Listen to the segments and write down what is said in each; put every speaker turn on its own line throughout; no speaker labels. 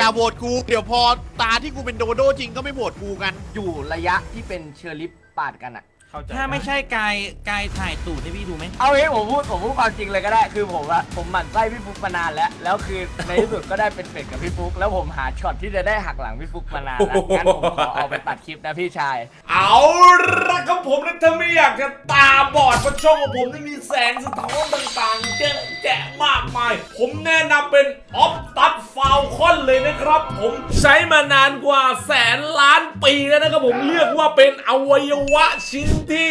โหวตกูเดี๋ยวพอตาที่กูเป็นโดโดจริงก็ไม่โหวตกูกัน
อยู่ระยะที่เป็นเชอร์ลิฟปาดกันอะ
ถ้าไม่ใช่กายถ่ายตูดให้พี่ดูไหม
เอางี้ผมพูดความจริงเลยก็ได้คือผมหมั่นไส้พี่ฟุกมานานแล้วคือในที่สุดก็ได้เป็นเป็ดกับพี่ฟุกแล้วผมหาช็อตที่จะได้หักหลังพี่ฟุกมานานแล้วงั้นผมขอเอาไปตัดคลิปนะพี่ชาย
เอาละครับผมนะถ้าไม่อยากจะตาบอดเพราะช่องของผมนี่มีแสงสะท้อนต่างๆเยอะแยะมากมายผมแนะนำเป็นออฟตัดฟาวคอนเลยนะครับผมใช้มานานกว่าแสนล้านปีแล้วนะครับผมเรียกว่าเป็นอวัยวะชิ้นที่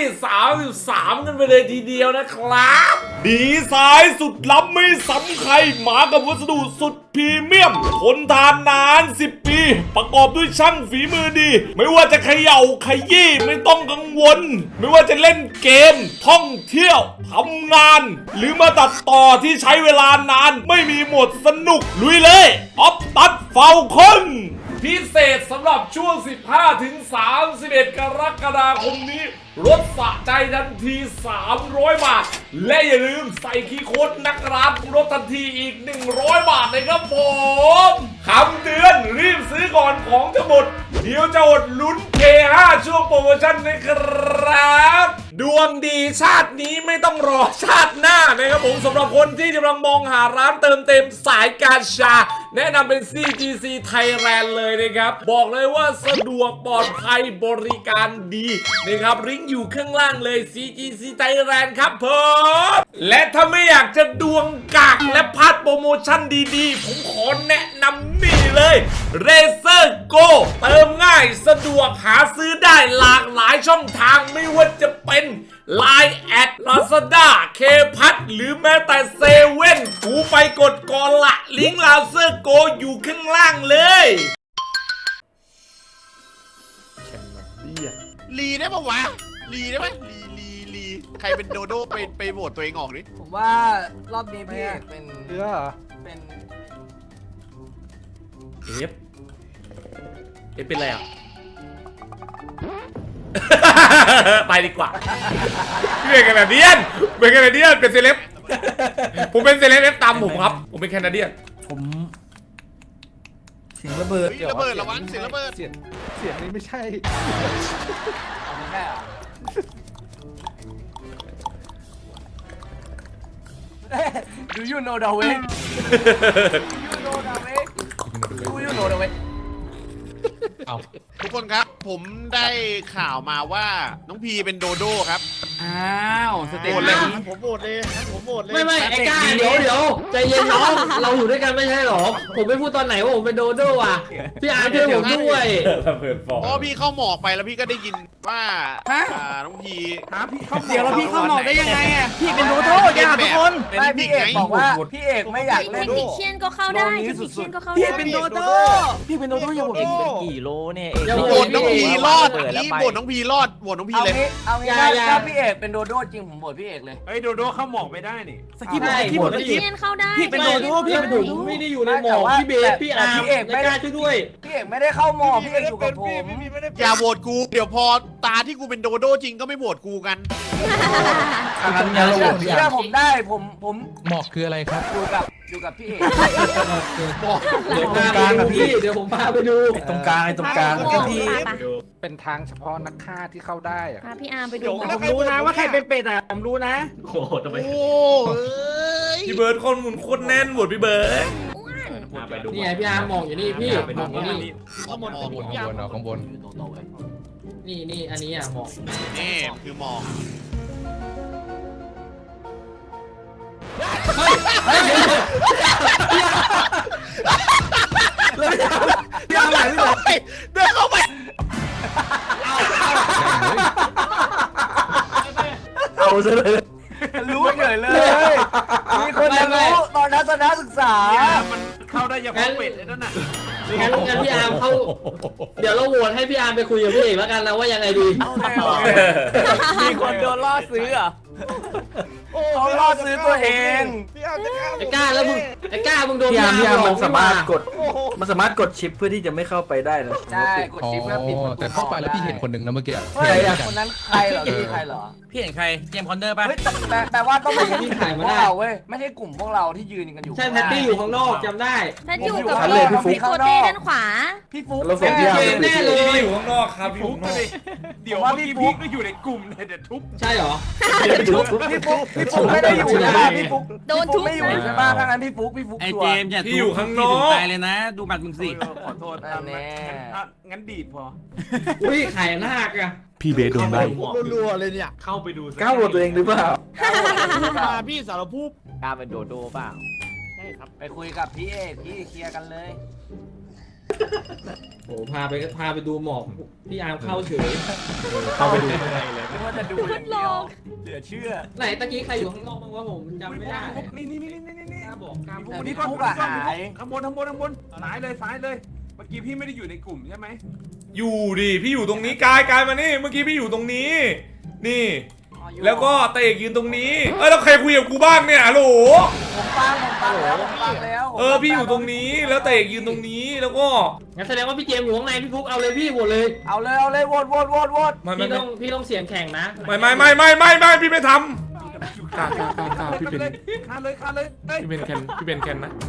33กันไปเลยทีเดียวนะครับดีไซน์สุดล้ำไม่ซ้ำใครมากับวัสดุสุดพรีเมียมทนทานนาน10 ปีประกอบด้วยช่างฝีมือดีไม่ว่าจะเขย่าขยี้ไม่ต้องกังวลไม่ว่าจะเล่นเกมท่องเที่ยวทำงานหรือมาตัดต่อที่ใช้เวลานานไม่มีหมดสนุกลุยเลยออฟตัดเฝ้าคนพิเศษสำหรับช่วง 15-31 กรกฎาคมนี้ลดสะใจทันที300 บาทและอย่าลืมใส่คีย์โค้ดนักร้านลดทันทีอีก100 บาทเลยครับผมคำเตือนรีบซื้อก่อนของจะหมดเดี๋ยวจะอดลุ้น K5 ช่วงโปรโมชั่นนะครับดวงดีชาตินี้ไม่ต้องรอชาติหน้านะครับผมสำหรับคนที่กำลังมองหาร้านเติมเต็มสายการชาแนะนำเป็น CGC Thailand เลยนะครับบอกเลยว่าสะดวกปลอดภัยบริการดีนะครับลิงก์อยู่ข้างล่างเลย CGC Thailand ครับผมและถ้าไม่อยากจะดวงกากและพลาดโปรโมชั่นดีๆผมขอแนะนำนี่เลย Razer Go เติมง่ายสะดวกหาซื้อได้หลากหลายช่องทางไม่ว่าจะเป็น Line แอด Lazada เคพัทหรือแม้แต่เซเว่นกูไปกดก่อนละลิงก์ Razer Go อยู่ข้างล่างเลย
ลีได้ปะวะลีได้ไหมลีใครเป็นโดโดไปโหวตตัวเองออกดิ
ผมว่ารอบนี้พี่เป็น
เรือเหรอ
เป็น
เอฟเป็นอะไรอ่ะ ไปดีกว่าพี่เป็นแคนาเดียนเป็นเซเลบผมเป็นเซเลบเอฟตามผมครับผมเป็นแคนาเดียน
ผมเสียงระเบิด
ระเบิดระวังเสียงระเบิด
เสียงนี้ไม่ใช่
ไม่ใช่เหรอDo you know the way? Do you know the way? Do you know the way?
ทุกคนครับผมได้ข่าวมาว่าน้องพีเป็นโดโดครับ
อ้าวสเต
ป
เลย
ผมโหวตเลย
ไม่ไอ้ก้าเดี๋ยวใจเย็นน้องเราอยู่ด้วยกันไม่ใช่หรอผมไม่พูดตอนไหนว่าผมเป็นโดโด้อ่ะพี่อาร์ช่วยผมด้วย
เพราะพี่เข้าหมอกไปแล้วพี่ก็ได้ยินว่าน้องพี
เดี๋ยวเราพี่เข้าหมอกได้ยังไงอ่ะพี่เป็นโดโดอย่าทุกคน
ไม่พี่เอกบอกว่าพี่เอกไม่อยากเล่น
เทคนิคเชียนก็เข้าได้เทคนิคเชียนก็เข้าได้
พี่เป็นโดโดอย่าบอกเป็นกี่โลเนี่ย
โหวตน้องพีรอดนี่โหวตน้องพีรอดโหวตน้องพีเลย
เอางี้ถ้าพี่เอกเป็นโดโดจริงผมโหวตพี่เอกเลย
เฮ้ยโดโดเข้าหมอกไม่ได้นี่
สกิปที่ผม
เชียนเข้าได้
พี่เป็นโดโดพี่เป็นผมไม่ได้อยู่ในหมอกพี่เบสพี่อาร์
พี่เอกไม่ได้
ช่วยด้วย
พี่เอกไม่ได้เข้าหมอกพี่เอกอยู่กับผม
อย่าโหวตกูเดี๋ยวพอตาที่กูเป็นโดโดจริงก็ไม่โหวตกูกัน
เชื่อผมได้ผม
หมอกคืออะไรครับ
อยู่กับพี่เอก
เดี๋ยวตรงกลางกับพี่เดี๋ยวผมพาไปดู
ตรงกลาง
พี่
เป็นทางเฉพาะนักฆ่าที่เข้าได้อะ
พี่อาร์ไปดู
ผมรู้นะว่าใครเป็นเป็ดอ่ะผมรู้นะ
โอ้ทำไมพี่เบิร์ดคนหมุนโคตรแน่นหมดพี่เบิร์ด
นี่ไงพี่อาร์มองอยู่นี่พี่มองอยู่นี่
ข้างบนข้างบน
นี่อันนี้อ่ะมอง
นี่คือมอง
พี่อาร์ไหนพี่อาร์
เดินเข้าไป
เอาซะเลย
รู้เฉยเลยมีคนจะรู้ตอนทัศนศึกษา
มันเข้าได้ยังเป็ดเลยนั่นน่ะ
งั้นพี่อาร์มเข้าเดี๋ยวเราโหวตให้พี่อาร์มไปคุยกับพี่เอกแล้วกันนะว่ายังไงดี
มีคนโดนล่อซื้ออ่ะเขาล่อซื้อตัวเอง
พี่อาร์มจะฆ่าผม
ไอ้ก้าแล้วมึงไอ้ก้ามึงโดน
พี่อาร์ม
หลอก
มันสามารถ
นี่ห
กด มันสามารถกดชิปเพื่อที่จะไม่เข้าไปได้นะ
ใช่กด
อ๋อ
ชิปแล้วปิดประตู
แต่เข้าไปแล้วพี่เห็นคนหนึ่งนะเมื่อกี้
เฮ้ยคนนั้นใครเหรอพี่ใครเหรอ
พี่เห็นใครเจมส์คอนเนอร์ป่ะ
เฮ้ยแต่ว่าต้องไม่ใช่กลุ่มพวกเราเว้ยไม่ใช่กลุ่มพวกเราที่ยืนกันอยู่
ใช่แพตตี้อยู่ข้างนอกจำได้
ฉันอยู่กับ
ผมอยู่กับพี่
พี่
ฟุ๊ก
โคเต้ด้านขวา
พี่ฟุ๊ก
เราส่งพี่อาร์ม
แน่เลย
พี่อยู่ข้างนอกครับพี่อยู่ข้างนอก
เดี๋ยวว่าพี่ฟุ๊ก
ก็อยู่ในกลุ่มเลยเดี๋ยวทุบ
ใช่เหรอ
พี่ฟุ๊กไม่ได้อยู่นะพี่ฟุ๊ก
โดนทุบ
ไม่อยู่
นะ
ใช่ป่ะถ้างั้นพี่ฟุ๊ก
ไอ้
ชัว
เจ
ร์
มส์อย่า
พี่อยู่ข้างนอก
ตายเลยนะ ดูบัตรมึงสิ
ขอโทษ
นั่นแน่
งั้นดีดพอ
อุ้ยไข่หน้าอะ
พี่เบสโดนใบ
รัวๆเลยเนี่ย
เข้าไปดู
ก้าวโหวตตัวเองหรือเปล่า
มาพี่สารภูมิ
กล้าเป็นโดโดเปล่า
ใช่ครับ
ไปคุยกับพี่เอกพี่เคลียร์กันเลย
โอ้พาไปดูหมอกพี่อาร์มเข้าเฉย
เข้าไปดู
ไม่ว่าจะดูอย่างเดียวเหลือเชื่อ
ไหนตะกี้ใครอยู่ข้างนอกบ้างวะผมจำไม่ได้
นี่
กล้าบอกกล้าพูด
วันนี้ฟุ๊กอะหาย
ข้างบนซ้ายเลยเมื่อกี้พี่ไม่ได้อยู่ในกลุ่มใช่ไหม
อยู่ดิพี่อยู่ตรงนี้กายมานี่เมื่อกี้พี่อยู่ตรงนี้ นี่ แล้วก็เตะเอกยืนตรงนี้แล้วใครคุยกับกูบ้างเนี่ยฮัลโหล
ผมฟังแล้ว
พี่อยู่ตรงนี้แล้วเตะเอกยืนตรงนี้แล้วก็
งั้นแสดงว่าพี่เจมส์อยู่ข้างในพี่ฟุกเอาเลยพี่โหวตเลย
เอาเลยโหวต
ไม่
พี่ต้องเสียงแข่งนะ
ไม่พี่ไม่ทำกล้าพี่เป็น
ฆ่าเลย
พี่เป็นแคนนะ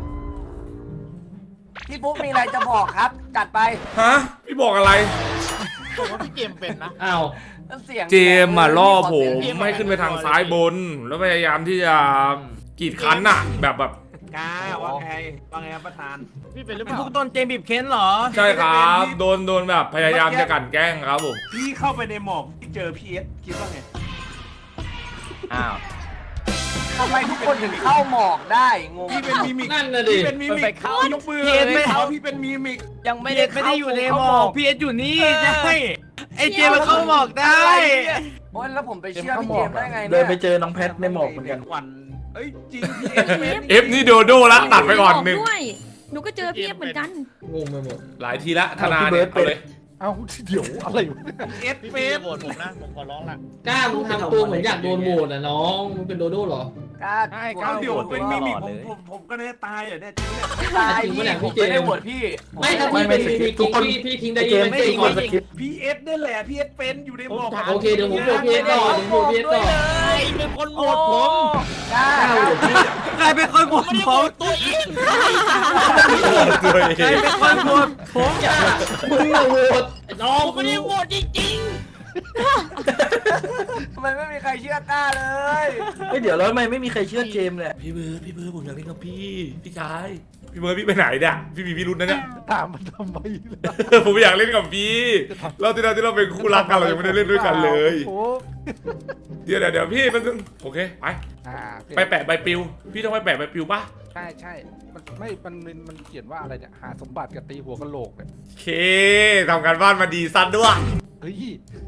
พี่ฟุ๊กมีอะไรจะบอกครับจัดไป
ฮะพี่บอกอะไร
ผมว่าพี่เกมเป็นนะ
อ้าว
เสียง
เจมส์ล่อผมไม่ขึ้นไปทางซ้ายบน แล้วพยายามที่จะกีดคันน่ะแบบ
กาว่าไงครับประธาน
พี่เป็นหรือเป
พี่
ล่า
ฟุกโดนเจมส์บีบเค้นเหรอ
ใช่ครับโดนแบบพยายามจะกลั่นแกล้งครับผม
พี่เข้าไปในหมอกที่เจอพีเอสคิดว่าไง
อ้าวทำไมทุกคนถึงเข้าหมอกได้งง
พี่เป็นมิมิก
นั่นน่ะดิ
พี่เป็นมิมิกยกมือ
พีเอสไม่
เขาพี่เป็นมิมิก
ยังไม่
ไม่
ได้
ได้อยู่ในหมอกพี่เอสอยู่นี่ใช่ไอ้เจมส์มันเข้าหมอกได้
โอ้ยแล้วผมไปเชื่อพี่เจมส์ได้ไง
เดิ
เนี่
นไป
ย
เจอน้องแพทในหมอกเหมือนกัน
วันเอ้ยจริงพีเอส
เอฟนี่โดโดละตัดไปก่อนหนึ่ง
ด้วยหนูก็เจอพี่เอฟเหมือนกัน
งงไปหมด
หลายทีละธนาเนี่ยเอาเลย
เอ้าเดี๋ยวอะไรเอส
พี่
เฟ
เป็น
ส
โหวตผมนะผมขอร้องละ
กล้ามึงทำตัวเหมือนอยากโดนโหวตอ่ะน้องมึงเป็นโดโด้เหรอ
กล้า
ก้าวเดี๋ยวเป็นมิมิกผมก็ได้ตายเหรอเนี่ยจริงเนี่ย
ตายพี่ผมไม่ได้โหวตพี่
ไม่ถ้าพี่เป็นมีจริงพี่ทิ้งได้ยินไม่จริง
พีเอสนี่แหละพีเอสเป็นอยู่ในหมอก
โอเคเดี๋ยวผมโหวตพีเอสต่อเดี๋ยวผมโหวตพีเอสต่อ
เป็นคนโหวตผม
กล้า
ใครเป็นคนโหวตผมตัวเอง
ตัวเอ
ใครง เป็นคนโหวตผม
มึงอะโหวตน้อง
ไม่ได้โหวตจริง
ทำไมไม่มีใครเชื่อกล้าเลย
เฮ้ยเดี๋ยวแล้วทำไมไม่มีใครเชื่อเจมส์เลย
พี่เบิร์ดผมอยากเล่นกับพี่ชายพี่เบิร์ดพี่ไปไหนเนี่ยพี่มีพี่รุ่นนะเนี่ย
ตามมันทำไม
ผมอยากเล่นกับพี่เราที่เราเป็นคู่รักกันเรายังไม่ได้เล่นด้วยกันเลย เดี๋ยวพี่มันงโอเคไปแปะใบปลิวพี่ต้องไปแปะใบปลิวปะ
ใช่มันเขียนว่าอะไรเนี่ยหาสมบัติกับตีหัวกะโหลกเนี่ย
โอเคทำการบ้านมาดีสั้นด้วย
เฮ้ย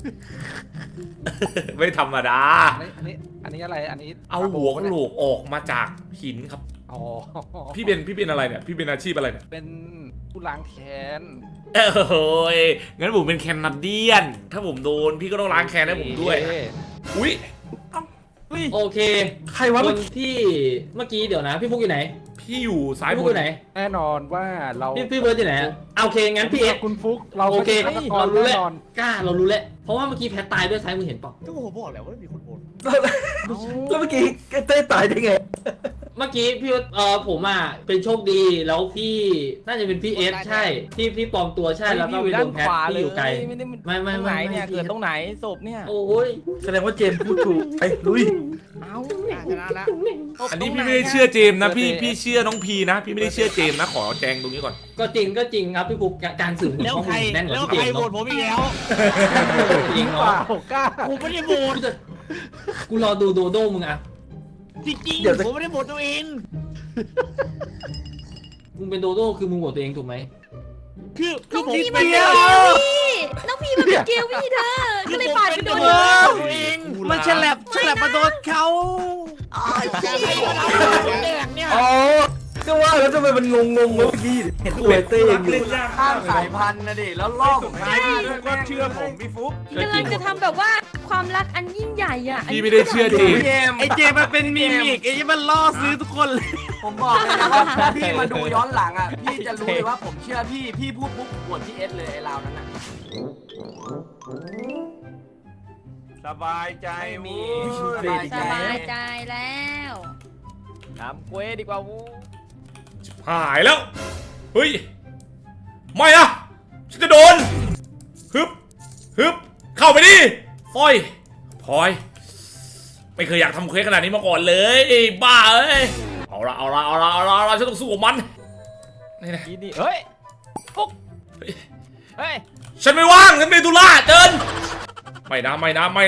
ไม่ธรรมดา
อันนี้อะไรอันนี้
เอาหัวกะโหลกออกมาจากหินครับ
อ๋อ
พี่เป็นอะไรเนี่ยพี่เป็นอาชีพอะไรเนี่ย
เป็นผู้ล้างแค้น
โอ้ยงั้นผมเป็นแคนาเดียน ถ้าผมโดนพี่ก็ต้องล้างแค้นให้ผมด้วยอุ้ย
โอเค
ใครวะ
คนที่เมื่อกี้เดี๋ยวนะพี่ฟุกอยู่ไหน
พี่อยู่ซ้าย
พี่
บ
ฟุกอน ยู่ไหน
แน่นอนว่าเรา
พี่เบิร์ดอยู่ไหนโอเคงั้นพี่เอส
คุณฟุกเรา
โอเค
ไม่ใช่ฆาตก
เรารู้
แน่
แล้ว
นอน
กล้าเรารู้แล้วเพราะว่าเมื่อกี้แพทตายด้วยซ้ายมือเห็นเปล่า
ก็ผมบอกแล้วว่ามีคนโหวต
แล้วเมื่อกี้เต้ตายได้ไง
เมื่อกี้พี่ผมอ่ะเป็นโชคดีแล้วพี่น่าจะเป็นพี่เอสใช่ที่พี่ปลอมตัวใช่แล้วก็ไปโดนแพทที่อยู่ไกล
ไม่ได้
ไม่
ตรงไหนเนี่ยเกิดตรงไหนศพเนี่ย
โอ้ย
แสดงว่าเจมส์พูดถูกไปลุย
ชนะละ
อันนี้พี่ไม่ได้เชื่อเจมส์นะพี่เชื่อน้องพีนะพี่ไม่ได้เชื่อเจมส์นะขอแจงตรงนี้ก่อน
ก็จริงครับพี่ฟุกการสืบ
แล้ว
ข้อ
ใค
มู
ร
ลแน่นก
แล้ว
ว่า
ใค
พี่
ร
เจมส์
โหวตผมอีกแล้ว
จริง
เปล่า
เนาะ
กล้า
ผมไม่ได้โหวต
กูรอดูโดโด้มึงอ่ะ
จริง
เดี๋ยว
ๆผมไม่ได้โหวตตัวเอง
มึงเป็นโดโด้คือมึงโหวตตัวเองถูกไหม
คือ
น้อง
ผม
พี่มัน
เดี
เป็น
ยว
เกลวี่น้องพี่มันเป็นเกลวี่เธอ ก็เลยปาดไปโดน
ตัวเองมันฉลับมาโดนเขา
อ๋อ
ใคร
ชี้
มาทำแดงเนี่ย
โอ้
ก็ว่าแล้วทำไมมันงงเมื่อกี้เห็นตัวเต้ยังอยู่
เล่นยาก
ข้ามสายพันธุ์นะดิแล้วรอบสุดท้ายพี่ด้วย
ก็เชื่อผมพี่ฟุ๊ก
กำลังจะทำแบบว่าความรักอันยิ่งใหญ่อ่ะ
พี่ไม่ได้เชื่อจริง
ไอเจมันเป็นมีมิกไอ้ที่มันล่อซื้อทุกคนเลย
ผมบอกเลยนะว่าถ้าพี่มาดูย้อนหลังอ่ะพี่จะรู้เลยว่าผมเชื่อพี่พูดปุ๊บปวดพี่เอสเลยไอ้ราวนั้นอ่ะ
สบายใจ
ไม่มี
สบายใจแล้ว
ถามเควดีกว่าวู
หายแล้ว เฮ้ย ไม่อะฉันจะโดน ฮึบ เข้าไปดิฟอยพลอย ไม่เคยอยากทำเควสขนาดนี้มาก่อนเลยไอ้บ้าเอ้ย เอาละฉันต้องสู้กับมัน นี่นะ
นี่เฮ้ยปุ๊กเฮ้ย
ฉันไม่ว่างฉันมีธุระเดิน ไม่นะ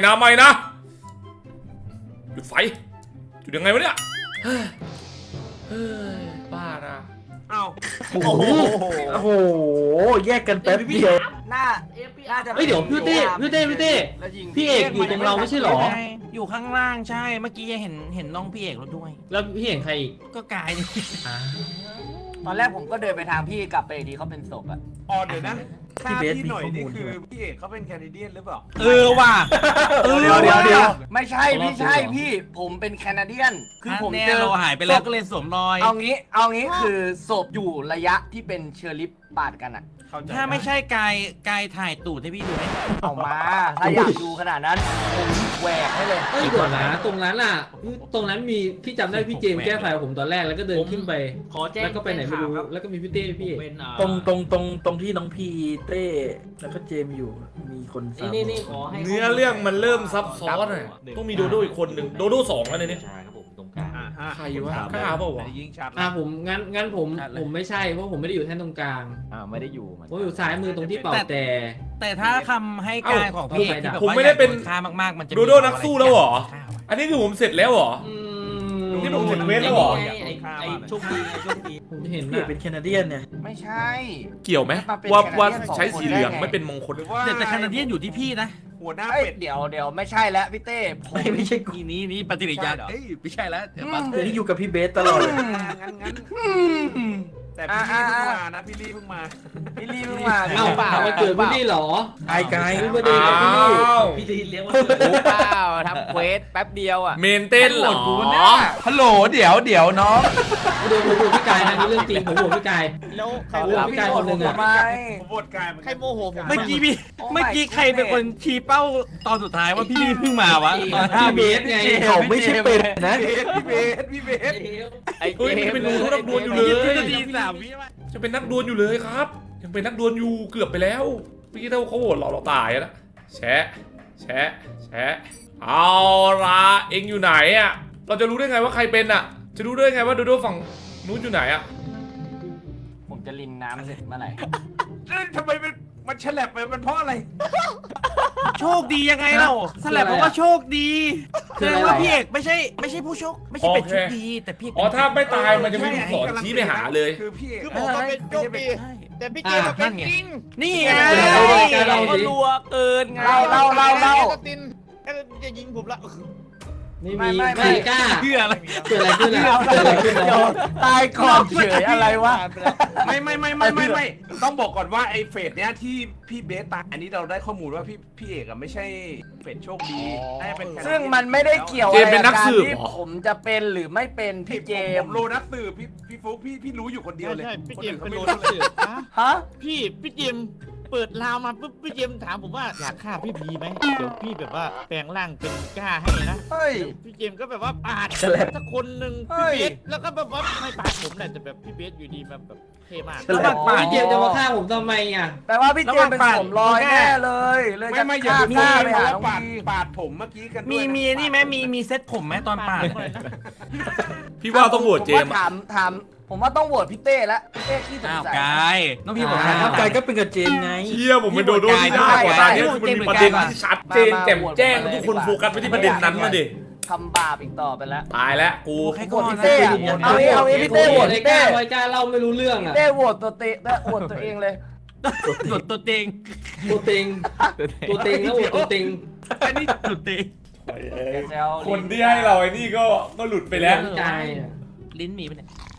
หยุดไฟหยุดยังไงวะเนี่ย เฮ้ย บ้านะ
โอ้โหแยกกันแป๊บเดียว
น่าจะ
เฮ้ยเดี๋ยวพี่เต้
แล้วยิง
พี่เอกอยู่ตรงเราไม่ใช่หรอ
อยู่ข้างล่างใช่เมื่อกี้เห็นน้องพี่เอกเราด้วย
แล้วพี่เห็นใครอีก
ก็กายนี่
ตอนแรกผมก็เดินไปทางพี่กลับไปดีเขาเป็นศพอ่ะ
อ๋อเดี๋ยวนะ
พี่เบส
พี่หน่อย
มี
นี่
ข้อมูล
คือพี่เอกเขาเป็นแคนาเดียนหรือเปล่า
ว่ะเดี๋ยว
ไม่ใช่พี่ผมเป็นแคนาเดียนคือผม
แน่
เจอ
เราหายไปแล้วก็เลยสวมรอย
เอางี้คือศพอยู่ระยะที่เป็นเชอร์ลิฟปาดกันอ่ะ
ถ้าไม่ใช่กายถ่ายตูดให้พี่ดูไหม
เอามาถ้าอยากดูขนาดนั้นผมแหวกให้เลย
เอ้ยเดี๋ยวนะตรงนั้นอ่ะตรงนั้นมีพี่จำได้พี่เจมส์แก้ไฟกับผมตอนแรกแล้วก็เดินขึ้นไป
ขอแจ้ง
แล้วก็ไปไหนไม่รู้แล้วก็มีพี่เต้พี่เอก
เป็น
ตรงที่น้องพีเต้แล้วก็เจมอยู่มีคนสาม
นี่ขอให้
เนื้อเรื่องมันเริ่มซับซ้อนอ่ะต้องมีโดโด้อีกคนหนึ่งโดโด้2แล้วเนี่ย
ใช่ครับผมตรงกลาง
ใครวะกล้าเปล่าวะ
ยิงชัด
ผมงั้นผมไม่ใช่เพราะผมไม่ได้อยู่แท่นตรงกลาง
ไม่ได้อยู่มัน
ผมอยู่ซ้ายมือตรงที่เป่าแต่
แต่ถ้าคำให้การของพี่เอกที่แบบ
ผม
ว่า
ไม่ได้เป็น
ค่ามากๆมันจะ
โดโด้นักสู้แล้วเหรอ อันนี้คือผมเสร็จแล้วเหรอ นี่ผมเห็นเวทแล้วเหรอ
ไอ้โชคดีโชคดี
ผมเห็น
พี่
น่ะ
เป็นแคนาเดียนเนี่ย
ไม่ใช่
เกี่ยวไหม
มาเป็น
ว่า
แคนาเดียน
ใช้สีเหลืองไม่เป็นมงคล
หรือว่า
แต่แคนาเดียนอยู่ที่พี่นะ
หัวหน้า
เอ้ย
เป็ด
เดี๋ยวไม่ใช่แล้วพี่เต้ผม
ไม่ใช่กู
นี่ปฏิกิริยาเอ้ยไม่ใช่แล้วเดี๋ยวมา
เดี๋ยวนี้อยู่กับพี่เบสตลอดเลย
งั้นแต่พี่ลี่เพิ่งมานะพี่ลี่เพิ่งมา
พี่ลี่เพิ่งมา
เอ้ามาเกิดพี่นี่เหรอ
ไอ้กาย
ไม่ประเด็นกับพี่นี่
พี่ลีเลี้ยงว่า
รู้เปล่าทำเควสแป๊บเดียวอ่ะ
เมนเต้นเหรอ
ฮัลโหลเดี๋ยวน้อง
เดี๋ยวผมโหวตพี่กายนะนี่เรื่องจริงผมโหวตพี่กาย
แล้วใคร
โอ้
โหวต
พี่กายคนหนึ่งอะ
ไม่
ผมโหวตกายเหมือน
ใคร
กัน
โมโหผม
เมื่อกี้ใครเป็นคนชี้เป้าตอนสุดท้ายว่าพี่เพิ่งมาวะตอน
พี่เบสไง
เขาไม่ใช่เป็ดนะ
พี่เบส
ไอ้
เฮ้ยยังเป็นนักดวลอยู่เลย
จะดี3 วิ
จะเป็นนักดวลอยู่เลยครับ ยังเป็นนักดวลอยู่เกือบไปแล้วเมื่อกี้ถ้าเขาโหวตเราตายนะแชะเอาละเอ็งอยู่ไหนอ่ะเราจะรู้ได้ไงว่าใครเป็นอ่ะ จะรู้ได้ไงว่าโดโด้ฝั่งนู้นอยู่ไหนอ่ะ
ผมจะลินน้ำเสร็จเมื่อไหร่
ทำไมมันฉลับไปมันเพราะอะไร
โชคดียังไงเล่าสลับเพราะว่าโชคดีแสดงว่าพี่เอกไม่ใช่ผู้โชคไม่ใช่เป็นโชคดีแต่พี่
อ๋อถ้าไม่ตายมันจะไม่มีสอนชี้ไปหาเลย
คือพี่เอก
คือผมก็เป็นโชคดี แต่พี่เจมส์เป็นจริง
นี่ไง
เรา
ก็
สิ
รัวเกินไงเราจะยิงผมละ
นี่
ไม่
มี
ไม่
ใครกล้า
เพื่ออะไร
เกิดอะไรขึ้นอ่ะเกิดอะไรขึ้น
เดี๋ยวตายก่อนเฉยอะไรวะ
ไม่ต้องบอกก่อนว่าไอ้เฟสเนี้ยที่พี่เบสตายอันนี้เราได้ข้อมูลว่าพี่เอกอะไม่ใช่เฟสโชคดีน่าจะเป็นแคนาเดีย
ซึ่งมันไม่ได้เกี่ยว
เจมส์เป็นนักสืบ
ที่
เหรอ
ผมจะเป็นหรือไม่เป็นพี่เจ
ผม
ส์
รู้นักสืบพี่ฟุ๊กพี่รู้อยู่คนเดียวเลย
ใช่พี่เจมส์
คน
เป็น
อื่
โล
ขา
นั
ไม่
ก
รู้
สืบ
ฮะ
พี่เจมส์เปิดลาวมาปุ๊บพี่เจมส์ถามผมว่าอยากฆ่าพี่พีไหมเดี๋ยวพี่แบบว่าแปลงร่างเป็นกล้าให้นะ
เฮ้ย
พี่เจมส์ก็แบบว่าปาด
ฉลับ
สักคนหนึ่ง
เฮ้
พี่
ย
เบสแล้วก็แบบว่าไม่ปาดผมแหละแต่แบบพี่เบสอยู่ดีมาแบบเท่มาก
ฉลับ
พี่เจมส์จะมาฆ่าผมทำไมอ่ะ
แปลว่าพี่เจมส์เป็นผมลอยแน่เลยเลย
ไม่อย่า
ฆ่า
ไป
ฆ่า
พูด
ไป
เพราะ
หา
ว่า
น้องพี
ปาดผมเมื่อกี้กัน
มีนี่ไหมมีเซ็ตผมไหมตอนปาด
พี่ว่าต้องโหวตเจมส์
ผว่าถามผมว่าต้องโหวตพี่เต้แล้วพี่เต้ขี้สง
อ้าว
สัย
กายน้องพี่บอก
อ้าวกายก็เป็นกับเจมไง
เชี่ยผมเป็นโดโด้ที่ได้กว่าตอนนี้คือมันมีประเด็นที่ชัดเจนแจ่มแจ้งแล้วทุกคนโฟกัสไปที่ประเด็นนั้นมาดิ
ทำบาปอีกต่อไปแล้ว
ตายแล้วกู
โหวตพี่เต้อะเอางี้พี่เต้โหวต
ไอ้
พี่
กล้า
เต้
ไว้กล้าเล่าไม่รู้เรื่อง
พี่
อ่ะ
เต้โหวตตัวเต้โหวตตัวเองเลย
ตัวเต็ง
ตัวเต็งแล้วโหวตตัวเต็ง
อันนี้ตัวเต็ง
คนที่ให้เราไอ้นี่ก็หลุดไปแล้ว
พี่กาย
ลิ้นหมีไปเนี่ย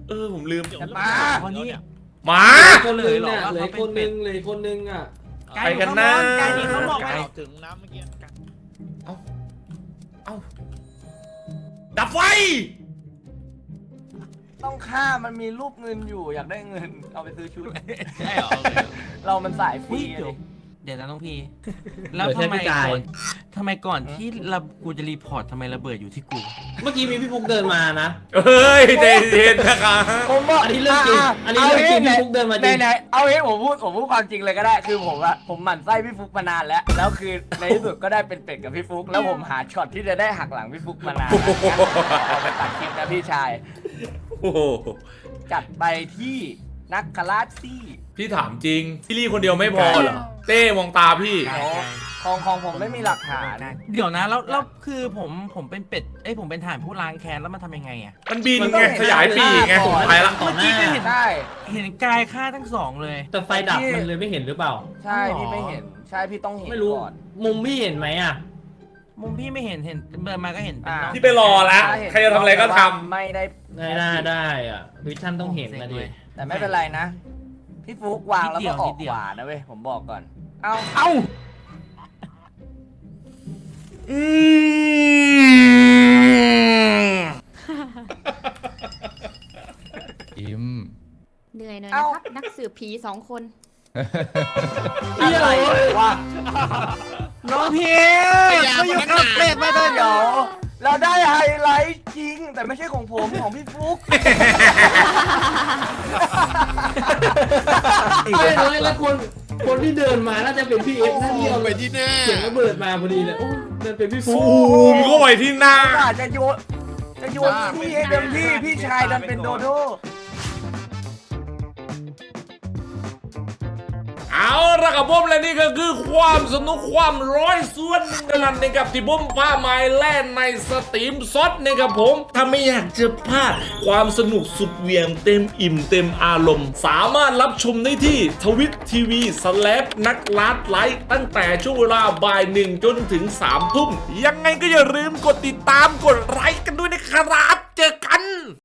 ผมลืม
มา
คนนี้
มา
คนนึงเนี่ยเหลือคนนึงเหลือคนนึงอ่ะ
ใครกันนะ
ไก่นี่เขาบอก
ไกล
ว่า
ถึงน้ำเมื่อกี้
เอ้าดับไฟ
ต้องฆ่ามันมีรูปเงินอยู่อยากได้เงินเอาไปซื้อชุด
ใช่เหรอ
เรามันสายฟรี
เดี๋ยว
เลย
เดี๋ยวนะน้องพี
เห
แล้ว
ลือ
ทำ
แค่
ไม
พี่กาย
ก่อนทำไมก่อนที่กูจะรีพอร์ตทำไมระเบิดอยู่ที่กู
เมื่อกี้มีพี่ฟุกเดินมานะ
เฮ้ยใจเย็นนะครับ
ผมบอก
อันนี้เรื่องจริงอันนี้เรื่องจริงพี่ฟุกเดินมาจริง
ไหนๆเอางี้ผมพูดความจริงเลยก็ได้คือผมหมั่นไส้พี่ฟุกมานานแล้วคือในที่สุดก็ได้เป็นเป็ดกับพี่ฟุกแล้วผมหาช็อตที่จะได้หักหลังพี่ฟุกมานานงั้นผมขอเอาไปตัดคลิปนะพี่ชาย
โอ้โห
จัดไปที่นักกราซี่
พี่ถามจริงพี่ลี่คนเดียวไม่พอเหรอเต้มองตาพี่
ของผมไม่มีหลักฐาน
เดี๋ยวนะแล้วคือผมเป็นเป็ดผมเป็นทหารผู้ล้างแค้นแล้วมันทำยังไงอ่ะ
มันบินไงสยายปีกไงไปละ
ต่อหน้า
ใช่
เห็นกายฆ่าทั้งสองเลย
แต่ไฟดับมันเลยไม่เห็นหรือเปล่า
ใช่พี่ไม่เห็นใช่พี่ต้องเห็น
ไม่รู้
ก่อน
มุมพี่เห็นไหมอ่ะ
มุมพี่ไม่เห็นเดินมาก็เห็นเป็นน้อง
พี่ไปรอแล้วใครจะทำอะไรก็ทำ
ไม่ได้
ได้อ่ะวิชั่นต้องเห็นนะดิ
แต่ไม่เป็นไรนะ พี่ฟุกวางแล้วก็ออกขวานะเว้ยผมบอกก่อน เอา
เอ้า
อิม
เหนื่อยหน่อยนะครับ นักสืบผี2 คน
อะไรวะ
น้องพี
ก็อยู่กับเป็ดไม่ได้เดี๋ยวเราได้ไฮไลท์จริง แต่ไม่ใช่ของผมของพี่ฟุก
ไม่น้อยแล้วคนที่เดินมาน่าจะเป็นพี่เอฟน่าที่เอาไปที่หน้าเสียงระเบิดมาพอดีเลยโอ้เดินเป็นพี่ฟุ
ฟู
ก
มเข้าไปที่หน้า
อาจจะโยนพี่ให้เต็มที่พี่ชายดันเป็นโดโด
เอาละครับผมและนี่ก็คือความสนุกความร้อยส่วนหนึ่งกันนะครับที่ผมพามาแล่นในสตรีมซดนะครับผมถ้าไม่อยากจะพลาดความสนุกสุดเหวี่ยงเต็มอิ่มเต็มอารมณ์ สามารถรับชมได้ที่ทวิตทีวีนักลาดไลฟ์ตั้งแต่ช่วงเวลาบ่าย1จนถึง3 ทุ่มยังไงก็อย่าลืมกดติดตามกดไลค์กันด้วยนะครับเจอกัน